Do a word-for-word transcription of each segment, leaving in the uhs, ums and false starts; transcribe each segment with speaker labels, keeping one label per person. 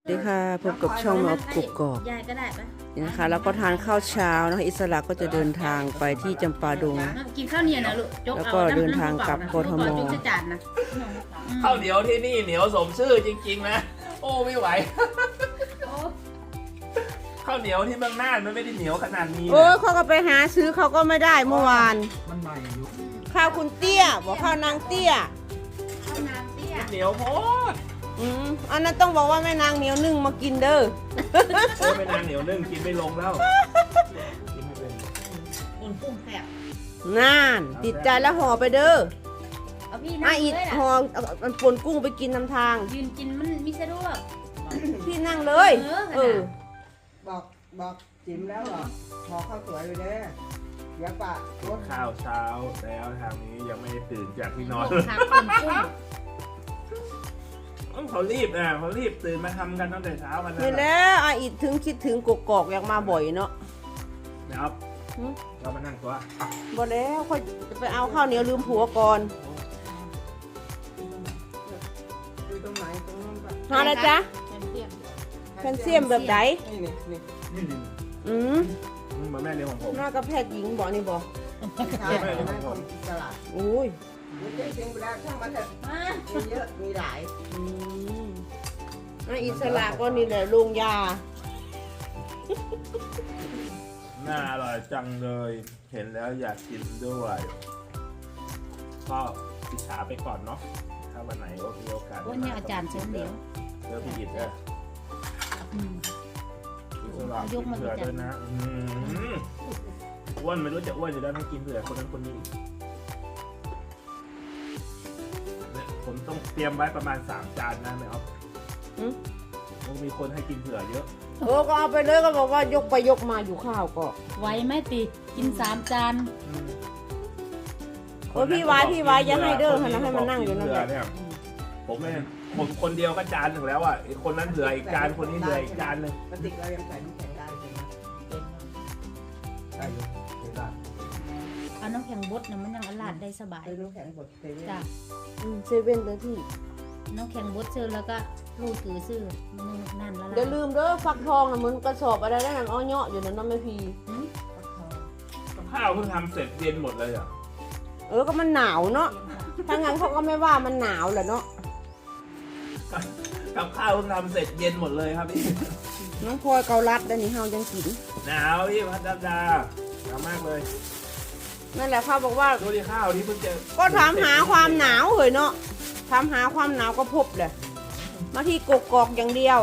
Speaker 1: สวัสดีค่ะพบกับช่องหมอกุกกอก
Speaker 2: ยายก็ได้ปะ
Speaker 1: นี่นะคะแล้วก็ทานข้าวเช้านะคะอิสระก็จะเดินทางไปที่จำปาดง
Speaker 2: กินข้าวเหนียวนะลูกจก
Speaker 1: แล้ว
Speaker 2: เอา
Speaker 1: ก็เดินทางกลับกทม
Speaker 2: จุกจะจานนะ
Speaker 3: ข้าวเหนียวที่นี่เหนียวสมชื่อจริงๆนะ โอ้ไม่ไหวข้าวเหนียวที่เมืองน่านมันไม่ได้เหนียวขนาดนี้
Speaker 1: โอ้ย
Speaker 3: นะ
Speaker 1: เขาก็ไปหาซื้อเขาก็ไม่ได้เมื่อวาน
Speaker 4: มันใหม่อยู่
Speaker 1: ข้าวคุณเตี้ยบอกข้าวนางเตี้ย
Speaker 2: ข้าวน้ำเตี้ย
Speaker 3: เหนียวโพด
Speaker 1: อืมอันนั้นต้องบอกว่าแม่นางเหนียวนึ่งมากินเด้อ
Speaker 3: โอ้ไม่นานเหนียวนึ่งกินไม่ลงแล้วกินไม่เป็น
Speaker 2: อุ่นปุ้งแซ่บ
Speaker 1: น่านติดใจแล้วห่อไปเด้อ
Speaker 2: เอาพี่
Speaker 1: มา
Speaker 2: นั่ง
Speaker 1: อีก
Speaker 2: เลยล่ะ
Speaker 1: ห่อเอามันปนกุ้งไปกินนำทาง
Speaker 2: ยืนกินมันมีสะดวก
Speaker 1: พี่นั่งเลย
Speaker 2: เออ
Speaker 1: เออ
Speaker 5: บอกบอกจิ๋มแล้วเหรอขอข้าวสวยไปเด้อเดี๋ยวปะรถ
Speaker 3: ข้าวเช้าแล้วทางนี้ยังไม่ได้ตื่นจากที่นอน
Speaker 2: ปุ่งผักปุ่งกุ้ง
Speaker 3: เขารีบนะเขารีบตื่นมาทำกันตั้งแต่เช้ากัน
Speaker 1: นี่
Speaker 3: นะ
Speaker 1: แหล้วอาอีกถึงคิดถึงกกอกอยากมาบ่อยเนาะ
Speaker 3: นะครับ
Speaker 1: หึ
Speaker 3: เรามานั่งตัว
Speaker 1: บ่แล้วค่อยจะไปเอาข้าวเหนียวลืมผัวก่อน
Speaker 5: อยู่ตรงไหนตรงนู้นปะ
Speaker 1: หาอะไรจ๊ะ
Speaker 2: แคลเซียม
Speaker 1: แคลเซียมแบบไหน
Speaker 5: นี่นี่นี่
Speaker 4: นี่นี่
Speaker 1: อืม
Speaker 3: อืมเหมือนแม่เลี้ยงของผม
Speaker 1: หน้ากระแพทย์หญิงบอกนี่บอก
Speaker 5: ใช่นั่นคนอิสระ
Speaker 1: โอ้ย
Speaker 5: มันเจ๊งจริงไปแล้วช่างมันเถอะ
Speaker 2: มา
Speaker 5: มีเยอะมีหลาย
Speaker 1: อืมอ่ะอิสระก็นี่แหละลุงยา
Speaker 3: น่าอร่อยจังเลย เห็นแล้วอยากกินด้วยก็อิจฉาไปก่อนเนาะถ้าวันไหนมีโอกาส
Speaker 2: วันนี้อาจารย์เชิญเดี๋ยว
Speaker 3: เลือกพี่อิดเด้อ
Speaker 2: อืม
Speaker 3: อิสระ
Speaker 2: ยกมา
Speaker 3: เผื่อ
Speaker 2: ดูจ้ะ
Speaker 3: ด้วยนะอืมอ้วนไม่รู้จะอ้วนอยู่แล้วต้องกินเผื่อคนนั้นคนนี้เนี่ยผมต้องเตรียมไว้ประมาณสามจานนะไม่เอา
Speaker 1: อืม
Speaker 3: ต้องมีคนให้กินเผื่อเยอะ
Speaker 1: เออก็เอาไปเลยก็บอกว่ายกไปยกมาอยู่ข้าวก็
Speaker 2: ไหวไหมติกินสามจาน
Speaker 3: อืม
Speaker 1: โอ้ยพี่วายพี่วายอย่าให้เด้อให้นะให้มันนั่งอยู่นั่นแหละ
Speaker 3: เยผมไม่ผมคนเดียวก็จานหนึ่งแล้วอ่ะไอ้คนนั้นเหลืออีกจานคนนี้เหลืออีกจานหนึ่ง
Speaker 5: กระติกเรายังใส่น้ำแข็งได้ใช่ไหม
Speaker 4: ได้อยู่เวลา
Speaker 2: เอาน้ำแข็งบดนะมันยังอลาดได้สบาย
Speaker 5: ใส่น้ำแข็งบดเซเว่น
Speaker 2: จ้ะ
Speaker 1: อืมเซเว่นเลยที่
Speaker 2: น้ำแข็งบดซื้อแล้วก็ลูกถือซื้อมันนั่นละ
Speaker 1: เดี๋ยวลืมเด้อฟักทองนะเหมือนกระสอบอะไรได้นั่นอ้อเนาะอยู่นั่นน้ำไม่พี
Speaker 3: ข้าวเพิ่งทำเสร็จเย็นหมดเลยอ่ะ
Speaker 1: เออก็มันหนาวเนาะถ้างั้นเขาก็ไม่ว่ามันหนาวแหละเนาะ
Speaker 3: กับข้าวเพิ่งทำเสร็จเย็นหมดเลยครับพี่
Speaker 1: น้องพลอยเกาลัดได้นี่เฮายังกิน
Speaker 3: หนาวพี่พัดดาดาหนาวมากเลย
Speaker 1: นั่นแหละเขาบอกว่า
Speaker 3: ดูดิข้าวที่เพิ่งเจอ
Speaker 1: ก็ถามหาความหนาวเหยเนาะถามหาความหนาวก็พบเลยมาที่กกอกอย่างเดียว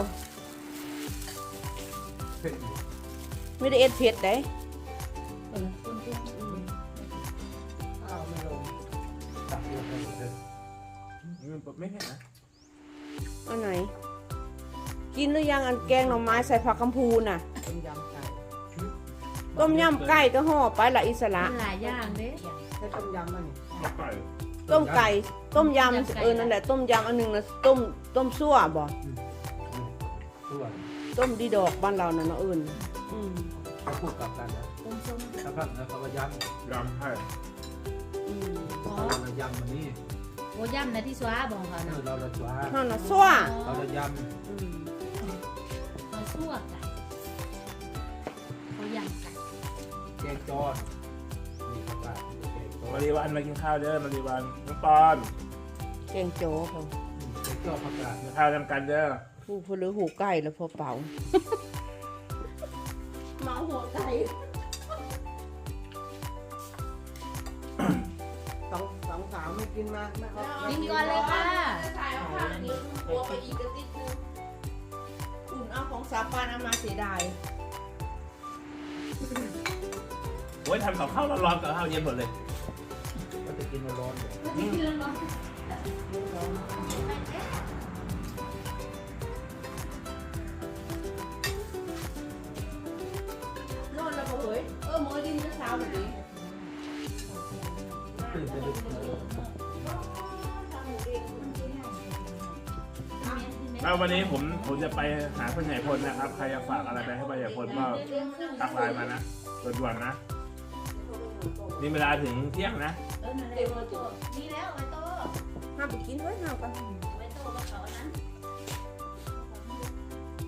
Speaker 4: เผ็ดอยู่
Speaker 1: ไม่ได้เอ็ดเผ็ดได้
Speaker 2: เออคุณคุณ
Speaker 5: ข้าวไม่ลง
Speaker 4: ตักเยอะไปหมดเลย
Speaker 3: มันไม่เห็นนะ
Speaker 1: อันไหน กินหรือยังอันแกงหน่อไม้ใส่ผักกำพูน่ะ
Speaker 5: ต้มยำไก่
Speaker 1: ต้มยำไก่ก็ห่อไปละอิสระ
Speaker 2: หลายอย่างเด้
Speaker 5: ใช้ต้มยำมันนี่
Speaker 3: ไก่
Speaker 1: ต้มไก่ต้มยำเออนั่นแหละต้มยำอันหนึงนะต้มต้มซั่วบ่
Speaker 4: ส่วน
Speaker 1: ต้มดีดอกบ้านเราน่ะเนาะเอื่นอืม
Speaker 4: เขาพูดกลับกันนะ
Speaker 2: ต้มส้ม
Speaker 4: ถ้าพักนะเขาก็ย้ำ
Speaker 3: ยำให้
Speaker 1: อืม
Speaker 2: อ๋อ
Speaker 4: เราจะย้ำวันนี้
Speaker 2: โอ้ย่ำนะที่สว้าบอกเขา
Speaker 4: เอ
Speaker 2: นะ
Speaker 4: อเราจะจ้า
Speaker 1: นั่นน่ะซั่ว
Speaker 4: เราจะย้
Speaker 1: อืม
Speaker 2: เขาซั่วไก่เขาย่ำไก่
Speaker 4: ำแกงจอดนี่ครับว่าแกงจอ
Speaker 3: มา
Speaker 4: ด
Speaker 3: รีวันมากินข้าวเด้อมารีวันน้องปอน
Speaker 1: แกงโจ๊กเขา
Speaker 4: แกงจอดผักกาด
Speaker 3: กินข้าวทำกันเด้อ
Speaker 1: ผู้พลือหูไก่แล้วพอเป่า เมาหัวไก่
Speaker 5: สองสองสาวไม่กินมาไม่เอา
Speaker 2: กินก่อนเลยค่ะ
Speaker 1: ถ่ายเอาข้างนี้หัวไปอีกกระติดนึงอุ่นเอาของสาปานเอามาเสียดาย
Speaker 3: โอ้ยทำกับข้าวร้อนๆกับข้าวเย็นหมดเลย
Speaker 4: ก็จะกินร้อนๆเลย
Speaker 1: นอนแล้วก็เฮ้ยเออหมอดินจะเช้าแบบนี้
Speaker 4: ตื่นไปดึก
Speaker 3: แล้ววันนี้ผมผมจะไปหาพ่อใหญ่พลนะครับ ใครอยากฝากอะไรไปให้พ่อใหญ่พลก็ทักไลน์มานะด่วนๆนะนี่เวลาถึงเที่ยงนะ
Speaker 2: เออนั่นแหละไว้โตนี่แล้วไว้โต
Speaker 1: ห้ามไปกินไว้ห้ามกัน
Speaker 2: ไว้โตกับเขานั้น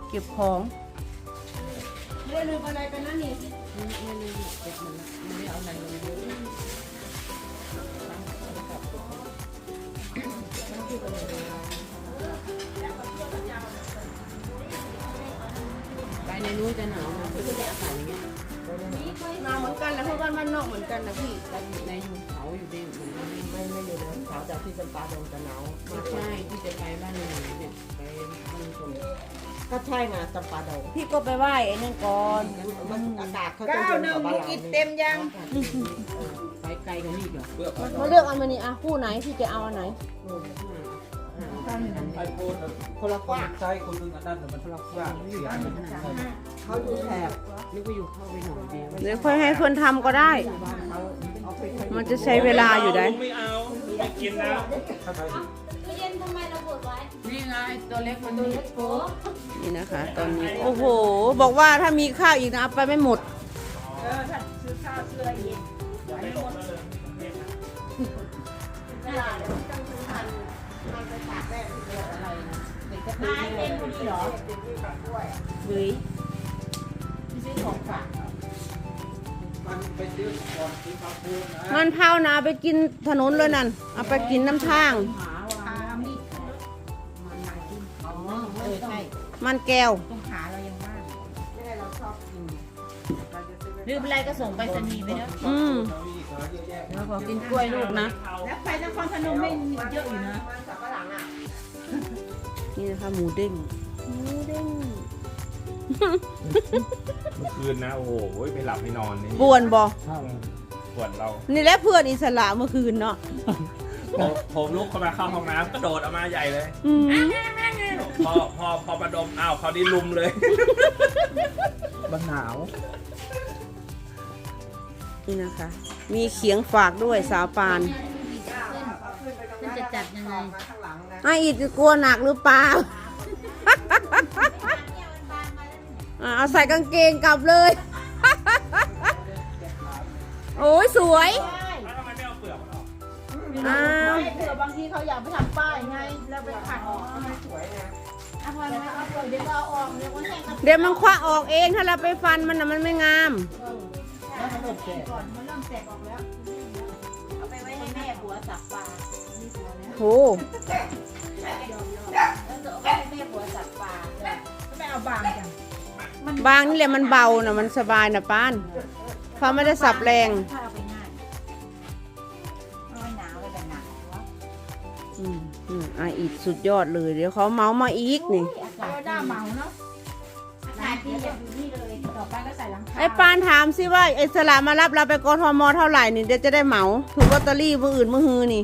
Speaker 1: เก็บของไม่ได้ลืมอะไรไปนะนี่
Speaker 5: ไม่ลืมเก็บมันละไม่ได้เอาอะไรลงเยอะไปในนู้นจะหนาวนะพี่ก็จะอากาศอย่างเงี้ย
Speaker 1: หนาวเหมือนกันนะเพราะบ้านบ้านนอกเหมือนกันนะพี่
Speaker 5: แต่ในเขาอยู่ดีมันไม่ไม่อยู่นะเขาจากที่จำปาดงจะหนาวไม่ใช่ที่จะไปบ้านหนูเนี่ยไปบ้านคนก็ใช่ไงจำปาดง
Speaker 1: พี่ก็ไปไหว้ไอ้นั่นก่อน
Speaker 5: มันอากาศเขาจะเย็นกว่าบ้านเราไปไกลกันนี่เหรอ
Speaker 4: เพื่อความ
Speaker 1: มาเลือกเอามานี่อ่ะคู่ไหนพี่จะเอาอันไหน
Speaker 4: ไอโฟน
Speaker 5: คนละกว้าง
Speaker 4: ใช้คนหนึงอันนั้นแต่มันคนละกว้างเสียงมันใช่
Speaker 5: เขาอยู่แถบนึกว่าอยู่เข้าไปหน่อยเดียว
Speaker 1: เดี๋ยวค่อยให้เพื่อนทำก็ได้
Speaker 5: บ้านเขาเอาไป
Speaker 1: มันจะใช้เวลาอยู่ได้
Speaker 3: ลุงไม่เอาลุงไม่กินแล้ว
Speaker 4: ถ้าใคร
Speaker 2: ตู้เย็นทำไมเราเปิดไว้
Speaker 5: นี่ไงตัวเล็กมันนี่
Speaker 2: โอ้
Speaker 1: นี่นะคะ ตอนนี้โอ้โห บอกว่าถ้ามีข้าวอีกนะเอาไปไม่หมด
Speaker 5: เออถ้าซื้อข้าวซื้ออะไรอีก
Speaker 3: อย่าไปหมดเลย
Speaker 5: เวลาเดี๋ยวต้องซื้อมันมันไปฝากแม่ที่เดียวอะไรนะเด็กก็ซื้อเต็มคนนี้เหรอเต็มที่ฝากด้วย
Speaker 1: เฮ้ย
Speaker 5: ที่ซื้อของฝาก
Speaker 4: มันไปซื้อก่อนซื้อข้าวโพดนะ
Speaker 1: มันเผานะเอาไปกินถนนเลยนั่น เอาไปกินน้ำทาง
Speaker 5: หาว่ามีดมันมากินอ๋อเออใช่
Speaker 1: มันแก้ว
Speaker 5: ต้องหาเรายังบ้านไม่ได้เราชอบกินเราจะซื้อ
Speaker 2: ลืมอะไรก็ส่งไปรษณีย์ไปเนอะ
Speaker 1: อืม
Speaker 4: เรามีขายเยอะแยะ
Speaker 1: แล้วขอกินกล้วยลูกนะ
Speaker 5: แล้วไปนครพนมไม่เยอะอยู่นะมันสับปะหลังอ่ะ
Speaker 1: นี่นะคะหมูเด้ง หมูเด้ง
Speaker 3: เมื่อคืนนะโอ้โหไม่หลับไม่นอนนี่
Speaker 1: ปวนบอ
Speaker 3: ปวดเรา
Speaker 1: นี่แหละเพื่อนอิสระเมื่อคืนเนาะ
Speaker 3: ผมผมลุกเข้ามาเข้าห้องน้ำกระโดดออกมาใหญ่เลย
Speaker 1: อืม
Speaker 3: พอพอพอประดมอ้าวเขาวนี่ลุมเลย
Speaker 4: มันหนาว
Speaker 1: นี่นะคะ มีเขียงฝากด้วยสาวปาน
Speaker 2: มันจะจัดยังไง
Speaker 1: ไอ้อีกกลัวหนักหรือเปล่า อ่ะเอาใส่กางเกงกลับเลย โอ้ยสวย
Speaker 3: แล้วทำไมไม่เอาเปลือกมันออก
Speaker 1: อ้าว
Speaker 5: ไม่เผื่อบางทีเขาอยากไปทำป้ายไงเราไปขัดออกไม่สวยนะ
Speaker 2: เอาพอแล้วเอาเปิดเดี๋ยวก็เอาออกเดี๋ยวมันแห้งก็
Speaker 1: เดี๋ยวมันคว้าออกเองถ้าเราไปฟันมันนะมันไม่งาม
Speaker 5: แล้วมันเริ่มแก่
Speaker 2: ก่อนมันเริ่มแตกออกแล้วเอาไปไว้ให้แม่หัวสับปลานี่หัวแล้ว
Speaker 1: โห
Speaker 2: แล้วจะเอาไปให้แม่หัวสับปลา
Speaker 5: ไม่เอาบางจัง
Speaker 1: บางนี่แหละมันเบานะมันสบายนะป้านเขาไม่ได้สับแรง
Speaker 2: ถ้าเอาไปง่ายเอาไว้หนาวไว้แบบหนาววะ
Speaker 1: อืมอืมอ่ะอีกสุดยอดเลย เดี๋ยวเขาเมามาอีกนี่
Speaker 2: อากาศหน้าเมาเนาะอากาศดีอย่าอยู่นี่เลยต่อไปก็ใส่หลังคา
Speaker 1: ไอ้ปานถามสิว่าไอ้สละมารับเราไปกทมเท่าไหร่นี่เดี๋ยวจะได้เหมาถูกลอตเตอรี่มืออื่นมือฮือนี่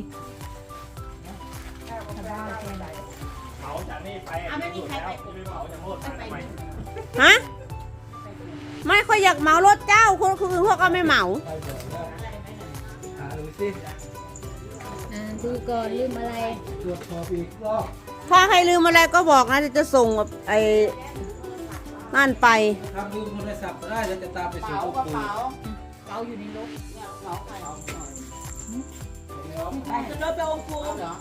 Speaker 3: เหมาจากนี่ไปแล้วจะไปเหมาจากโน่นไปทำไม
Speaker 1: ฮะ ไม่ค่อยอยากเหมารถเจ้าคนอื่นพวกก็ไม่เหมา
Speaker 4: ไปเถอะแล้วหาดูสิ
Speaker 2: อ่าดูก่อนลืมอะไร
Speaker 4: ตรวจสอบอีกรอบ
Speaker 1: ถ้าใครลืมอะไรก็บอกนะเดี๋ยวจะส่งแบบไอ้นั่นไป
Speaker 4: ทำลืมโทรศัพท์ก็ได้แล้วจะตามไปสู่
Speaker 5: เป๋า
Speaker 4: ลูก
Speaker 5: กระ
Speaker 4: ปู
Speaker 5: เป๋า
Speaker 2: เกาอยู่ในรถ
Speaker 5: เนี่ยเป๋าใครเอาหน่อย
Speaker 2: ไปจะรถไปองค์ปู
Speaker 5: เอาเหรอ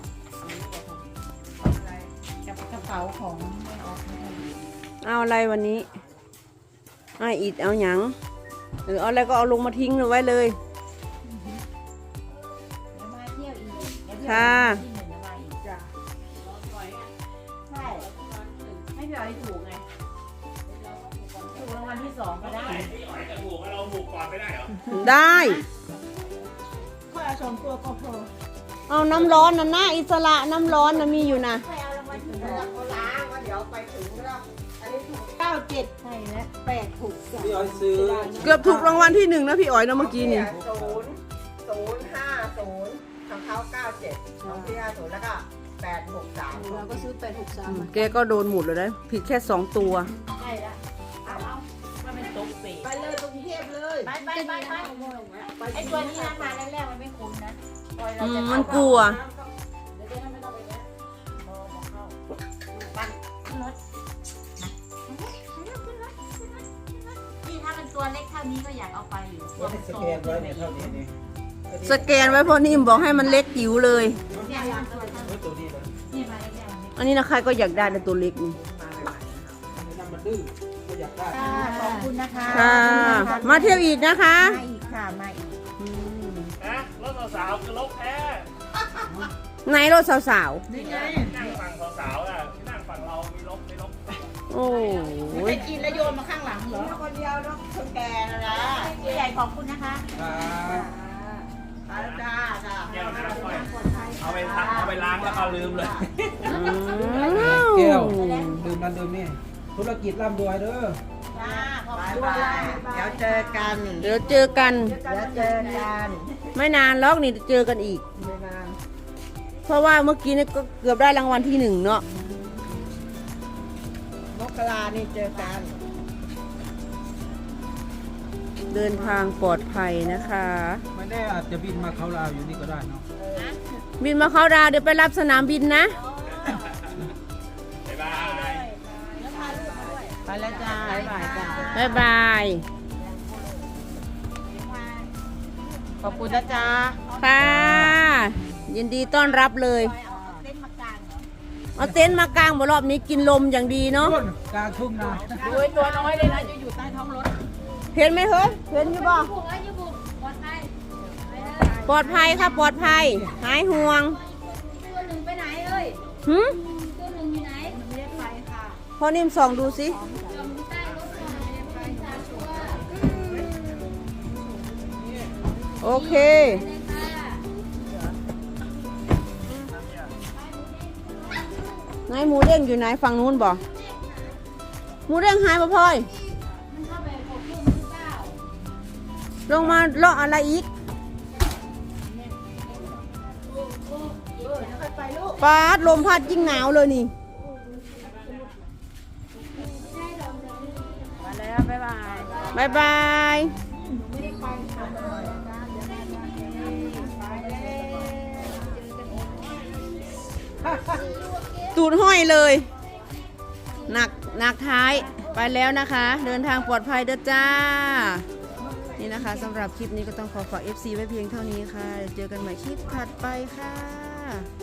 Speaker 2: กับกระเป๋าของไม่ออกไม่ได้
Speaker 1: เอาอะไรวันนี้ไอ้อีดเอาหยังหรือเอาอะไรก็เอาลงมาทิ้งไว้เลย
Speaker 2: เดี๋ยวมาเที่ยวอีกเดี๋ยวเที่ยว
Speaker 1: ค่ะ
Speaker 2: ที่หนึ่งจะมาอีก
Speaker 5: จ้ะ
Speaker 2: ใช่ให้พี่อ๋อยถูกไงถูกรางวัลที่สองก็ได้
Speaker 3: พี่อ๋อยจะถูกเราถูกก่อนไม่ได้เหรอ
Speaker 1: ได้
Speaker 5: ค่อยเอาสองตัวก็พอ
Speaker 1: เอาน้ำร้อนนะหน้าอิสระน้ำร้อนนะมีอยู่นะ
Speaker 2: ไปเอารางวัลที่ส
Speaker 5: แล้
Speaker 2: อ
Speaker 5: ว
Speaker 2: ง
Speaker 5: เขาล้างว่าเดี๋ยวไปถึงแล้วอันนี้ถูกเก้าเจ็ด
Speaker 2: ใช่แล้ว
Speaker 5: แปดถูกสอง
Speaker 4: พี่อ้อยซื้อ
Speaker 1: เกือบถูกรางวัลที่หนึ่งนะพี่อ๋อยนะเมื่อกี้นี่
Speaker 5: ศูนย์ศูนย์ห้าศูนย์ของเขาเก้าเจ็ดของพี่ห้าศูนย์แล้วก็แปดหกสาม
Speaker 2: เราก็ซื้อแปดหกสาม
Speaker 1: อืมแกก็โดนหมดเลยนะผิดแค่สองตัว
Speaker 2: ใช่แล้วเอาเอามันเป็นตุ๊กปี
Speaker 5: ไปเลยกรุงเทพเลย
Speaker 2: ไปไปไปไปไอตัวนี้นะมาแรกๆมันไม่คุ้นนะปล่อยเรา
Speaker 1: อืม
Speaker 2: จะ
Speaker 1: มันกลัว
Speaker 2: เดี๋ยวจะไม่ต้องไปแวะพอมาเข้าปั้นขึ้นรถนี่ถ้าเป็นตัวเล็กเท่านี้ก็อยากเอาไปอยู่
Speaker 4: ว่าให้สแกนไว้เนี่ยเท่านี้นี่
Speaker 1: สแกนไว้เพราะนิ่มบอกให้มันเล็กจิ๋วเลย
Speaker 2: เนี่ยมันตัวเท่า
Speaker 4: ไว้ตัวนี้นะ
Speaker 2: นี่มาแรกๆมันไม่
Speaker 1: อันนี้นะใครก็อยากได้ในตัวเล็กนี่
Speaker 5: มาใหม่ๆนะครับ
Speaker 4: อันนี้มันดื้อก็อยากได้
Speaker 2: ค่ะขอบคุณนะคะ
Speaker 1: ค่ะ มาเที่ยวอีกนะคะ
Speaker 2: มาอีกค่ะมาอีก
Speaker 1: อืม
Speaker 3: นะรถสาวๆคือรถแท้
Speaker 1: ไหนรถสาว
Speaker 2: นี่ไง
Speaker 3: นั่งฝั่งสาวๆอ่ะที่นั่งฝั่งเรามีรถไม่รถ
Speaker 1: ๆ โอ้
Speaker 2: ไป
Speaker 1: ย
Speaker 2: กินแล้วโยนมาข้างหลังเหรอคนเดียวแล้วคนแก่นะนะผู้ใหญ่ขอบคุณนะคะ
Speaker 4: ครับ
Speaker 2: จ้าจ้าจ้า
Speaker 3: แก้วน้ำค่อยเอาไปทักเอาไปล้างแล้วก็ลืมเลย
Speaker 1: อื
Speaker 4: แก้ว
Speaker 1: ม
Speaker 4: ดื่มนั่นดื่มนี่ธุรกิจร่ำรวยเด้อ
Speaker 2: จ้าขอบคุณเดี๋ยวเจอกัน
Speaker 1: เดี๋ยวเจอกัน
Speaker 2: เดี๋ยวเจอกัน
Speaker 1: ไม่นานล็อกนี่เจอกันอีก
Speaker 2: ไม่นาน
Speaker 1: เพราะว่าเมื่อกี้นี่ก็เกือบได้รางวัลที่หนึ่งเนาะ
Speaker 2: มกรานี่เจอกัน
Speaker 1: เดินทางปลอดภัยนะคะ
Speaker 4: ไม่แน่อาจจะบินมาเขาลาวอยู่นี่ก็ได้เนาะ
Speaker 1: บินมาเข้าดาวเดี๋ยวไปรับสนามบินนะ
Speaker 3: บ๊ายบาย
Speaker 2: ไปแล้วจ้าบ๊ายบายจ้า
Speaker 1: บ๊ายบาย
Speaker 2: ขอบคุณนะจ้า
Speaker 1: ค่ะ ยินดีต้อนรับเลย เอาเต็นท์มากางบนรอบนี้กินลมอย่างดีเนาะ
Speaker 4: ต้นกลางทุ่งนา
Speaker 2: ดูไอ้ตัวน้อยเลยนะจะอยู่ใต้ท้องรถ
Speaker 1: เห็นไหมเฮ้ยเห็นอยู่บ่ปลอดภัยค่ะปลอดภัย หายห่วง
Speaker 6: ตัวหนึ่งไปไหนเอ้ย
Speaker 1: หืม
Speaker 6: ตัวหนึ่งอยู่ไหน
Speaker 2: ไม่ได้ไปค่ะ
Speaker 1: พอนิ่มส่องดูสิ
Speaker 6: จมใต้รถก่อนไม่ได้ไปสามตัว
Speaker 1: โอเค
Speaker 6: เลยค่ะ
Speaker 1: ไหนหมูเด้งอยู่ไหนฝั่งนู้นบ่หมูเด้งหายบ่พลอย
Speaker 6: มันเข้าไปกดพุ่มหรือเปล่า
Speaker 1: ลงมาเลาะอะไรอีกปาดลมพัดยิ่งหนาวเลยนี่
Speaker 2: มาแล้วบ๊ายบาย
Speaker 1: บายบายตูดห้อยเลย หนักหนักท้ายไปแล้วนะคะ เดินทางปลอดภัยเด้อจ้า นี่นะคะสำหรับคลิปนี้ก็ต้องขอฝาก เอฟ ซี ไว้เพียงเท่านี้ค่ะ เจอกันใหม่คลิปถัดไปค่ะ